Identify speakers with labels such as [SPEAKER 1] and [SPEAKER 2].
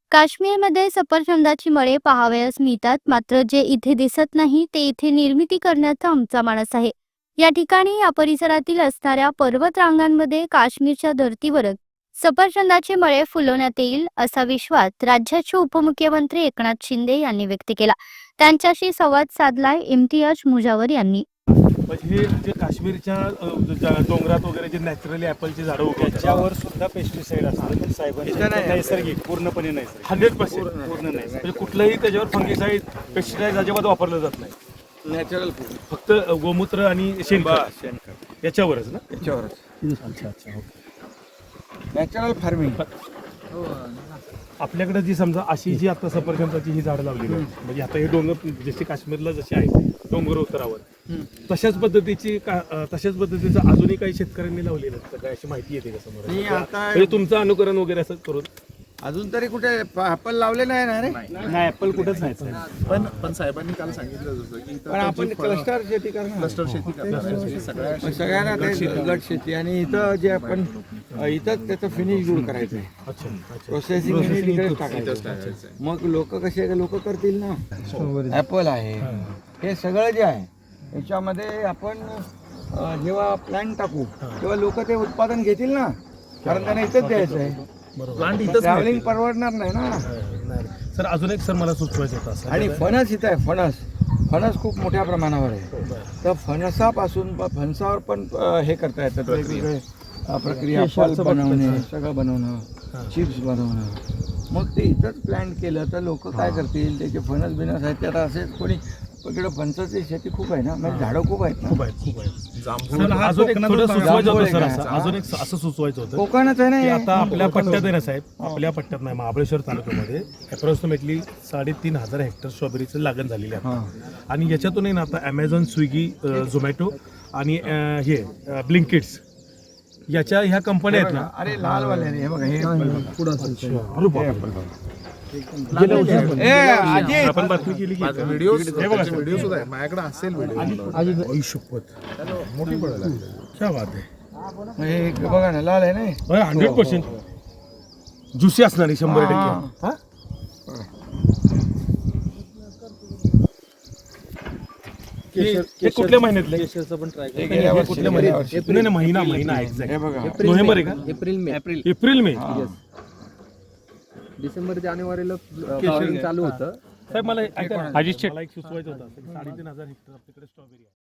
[SPEAKER 1] काश्मीरमध्ये सफरचंदाची मळे पाहावयास मिळतात, मात्र जे इथे दिसत नाही ते इथे निर्मिती करण्याचा आमचा मानस आहे. या ठिकाणी या परिसरातील असणाऱ्या पर्वत रांगांमध्ये काश्मीरच्या धर्तीवरच सफरचंदाचे मळे फुलवण्यात येईल असा विश्वास राज्याचे उपमुख्यमंत्री एकनाथ शिंदे यांनी व्यक्त केला. त्यांच्याशी संवाद साधलाय इम्तियाज मुजावर यांनी.
[SPEAKER 2] हे जे काश्मीरच्या डोंगरात वगैरे जे नॅचरली ॲपलची झाडं उभी आहेत,
[SPEAKER 3] त्याच्यावर सुद्धा पेस्टिसाइड असतात पण साहेबांचं नैसर्गिक पूर्णपणे नैसर्गिक
[SPEAKER 2] 100%
[SPEAKER 3] पूर्ण नैसर्गिक
[SPEAKER 2] म्हणजे कुठलंही त्याच्यावर फंगिसाईड पेस्टिसाइड अजिबात वापरलं जात नाही.
[SPEAKER 3] नॅचरल
[SPEAKER 2] फक्त गोमूत्र आणि शेणखत
[SPEAKER 3] शेणखत
[SPEAKER 2] याच्यावरच ना.
[SPEAKER 3] याच्यावरच
[SPEAKER 2] अच्छा अच्छा ओके.
[SPEAKER 3] Natural farming.
[SPEAKER 2] आपल्याकडे जी समजा अशी जी आता सफरचंदाची ही झाडं लावलेली आहेत, म्हणजे आता हे डोंगर जसे काश्मीरला जसे आहेत डोंगर उतरावर तशाच पद्धतीचं अजूनही काही शेतकऱ्यांनी लावलेलं आहे काय अशी माहिती येते का समोर?
[SPEAKER 3] मी आता
[SPEAKER 2] म्हणजे तुमचं अनुकरण वगैरे असं करून
[SPEAKER 3] अजून तरी कुठे ॲपल लावले नाही ना रे.
[SPEAKER 2] नाही ॲपल कुठंच नाही.
[SPEAKER 4] पण साहेबांनी काल सांगितलं होतं की
[SPEAKER 3] पण आपण क्लस्टर शेती करणार.
[SPEAKER 4] क्लस्टर शेती करणार आहे.
[SPEAKER 3] सगळ्यांना ते गट शेती आणि इथं जे आपण इथंच त्याचं फिनिश दूर करायचं आहे.
[SPEAKER 2] अच्छा अच्छा.
[SPEAKER 3] प्रोसेसिंग तिकडेच टाकायचं. मग लोक कसे लोक करतील ना. ॲपल आहे हे सगळं जे आहे याच्यामध्ये आपण जेव्हा प्लॅन टाकू तेव्हा लोक ते उत्पादन घेतील ना, कारण त्यांना इथंच द्यायचं आहे. ट्रॅव्हलिंग परवडणार नाही ना.
[SPEAKER 2] सर अजून एक सर मला सुचवायचं होतं असं,
[SPEAKER 3] आणि फणस इथं आहे. फणस खूप मोठ्या प्रमाणावर आहे. तर फणसापासून फणसावर पण हे करता येतात वेगवेगळे प्रक्रिया, पल्प बनवणे, सगळं बनवणं, चिप्स बनवणं. मग ते इथंच प्लॅन केलं तर लोक काय करतील, त्याचे फणस बिनस आहेत. ते आता असेच कोणी इकडे फणसाची शेती खूप आहे ना, म्हणजे झाडं खूप आहेत ना.
[SPEAKER 2] खूप आहेत. सर, अजून एक थोडं सुचवायचं होतं सर, अजून एक असं सुचवायचं होतं
[SPEAKER 3] कोकणच आहे
[SPEAKER 2] की
[SPEAKER 3] ना.
[SPEAKER 2] आता आपल्या पट्ट्यात आहे ना साहेब, आपल्या पट्ट्यात नाही महाबळेश्वर तालुक्यामध्ये अप्रॉक्सिमेटली 3,500 हेक्टर स्ट्रॉबेरीचं लागण झालेली आहे. आणि याच्यातूनही ना आता ॲमेझॉन, स्विगी, झोमॅटो आणि हे ब्लिंकिट्स याच्या ह्या कंपन्या आहेत ना.
[SPEAKER 3] अरे लालवाले रे, हे बघा हे
[SPEAKER 2] आपण बातमी केली की
[SPEAKER 4] व्हिडिओ सुद्धा आहे माझ्याकडे असेल व्हिडिओ.
[SPEAKER 2] शपथ
[SPEAKER 4] मोठी पडायला लागली.
[SPEAKER 2] क्या बात आहे.
[SPEAKER 3] हे बघा ना, लाल आहे ना.
[SPEAKER 2] 100% ज्युसी असणार आहे 100%. हा हे कुठल्या महिन्यातले?
[SPEAKER 3] हे गेल्या वर्षी,
[SPEAKER 2] कुठल्या
[SPEAKER 3] गेल्या
[SPEAKER 2] महिन्यात?
[SPEAKER 3] वर्षी.
[SPEAKER 2] नाही नाही, महिना
[SPEAKER 3] हे
[SPEAKER 2] एक्झॅक्ट
[SPEAKER 3] बघा
[SPEAKER 2] नोव्हेंबर आहे का? April May.
[SPEAKER 5] डिसेंबर जानेवारीला फ्लॉवरिंग चालू होतं.
[SPEAKER 2] साहेब मला एक सुचवायचं होतं 3,500 हेक्टर आपल्याकडे स्ट्रॉबेरी आहे.